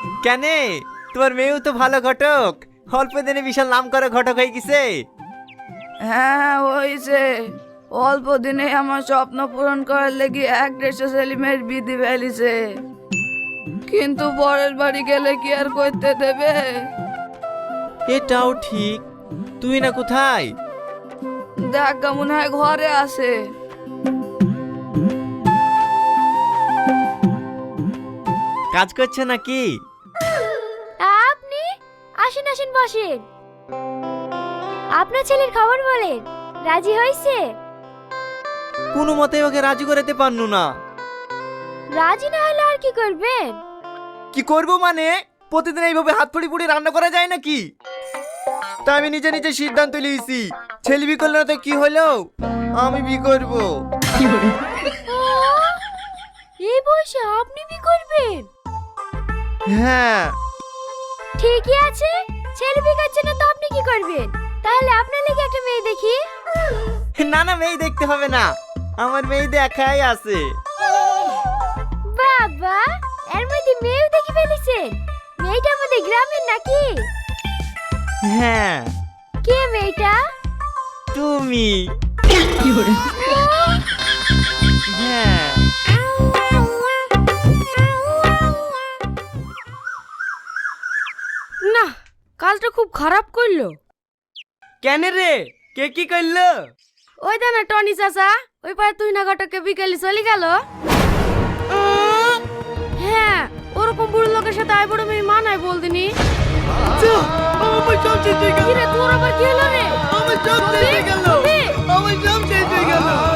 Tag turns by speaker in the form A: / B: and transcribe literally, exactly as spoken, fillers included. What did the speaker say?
A: কেনে তোমার মেয়েও তো ভালো ঘটক, অল্প দিনে বিশাল নাম করে ঘটক হয়ে গেছে।
B: হ্যাঁ হয়েছে, অল্প দিনে আমার স্বপ্ন পূরণ করার লেগে এক দেড়শো সেলিমের বিধি ফেলিছে, কিন্তু পরের বাড়ি গেলে কি আর করতে দেবে?
A: এটাও ঠিক। তুই না কোথায়?
B: দেখ মনে হয় ঘরে আছে।
A: কাজ করছে নাকি?
C: আপনি আসেন আসেন বসেন। আপনার ছেলের খবর বলেন, রাজি হয়েছে?
A: কোনো মতে ওকে রাজি করাতে পারনু না।
C: রাজি না হলে আর কি করবেন?
A: কি করব মানে, প্রতিদিন এইভাবে হাত ফুড়ি ফুড়ি রান্না করা যায় নাকি? তাই আমি নিজে নিজে সিদ্ধান্ত নিয়েছি, ছেলে বি করলে না তো কি হলো, আমি বি করব।
C: এই বয়সে আপনি বি করবেন?
A: হ্যাঁ।
C: ঠিকই আছে, ছেলে বি করছে না তো আপনি কি করবেন? তাহলে আপনার লেগে একটা মেয়ে দেখি।
A: না না, মেয়ে দেখতে হবে না, আমার মেয়ে দেখাই আছে।
C: বাবা, এর মধ্যে মেয়েও দেখে ফেলেছেন? মেয়েটা আমাদের গ্রামের নাকি?
A: হ্যাঁ।
C: কে মেয়েটা?
A: তুমি। হ্যাঁ।
B: না, কাজটা খুব খারাপ করলো।
A: কেন রে, কে কি করলো?
B: ওই দেনা টনি চাচা, ওই পারে তুই না ঘটকে বিকেলে চলে গেল। হ্যাঁ, ওরকম বুড়ো লোকের সাথে আই বড় মেয়ে মানায় বলদিনি।
A: আমার সব শেষ হয়ে গেল।
B: কি রে, তোর আবার কি হলো রে?
A: আমার সব শেষ হয়ে গেল। আমার সব শেষ হয়ে গেল।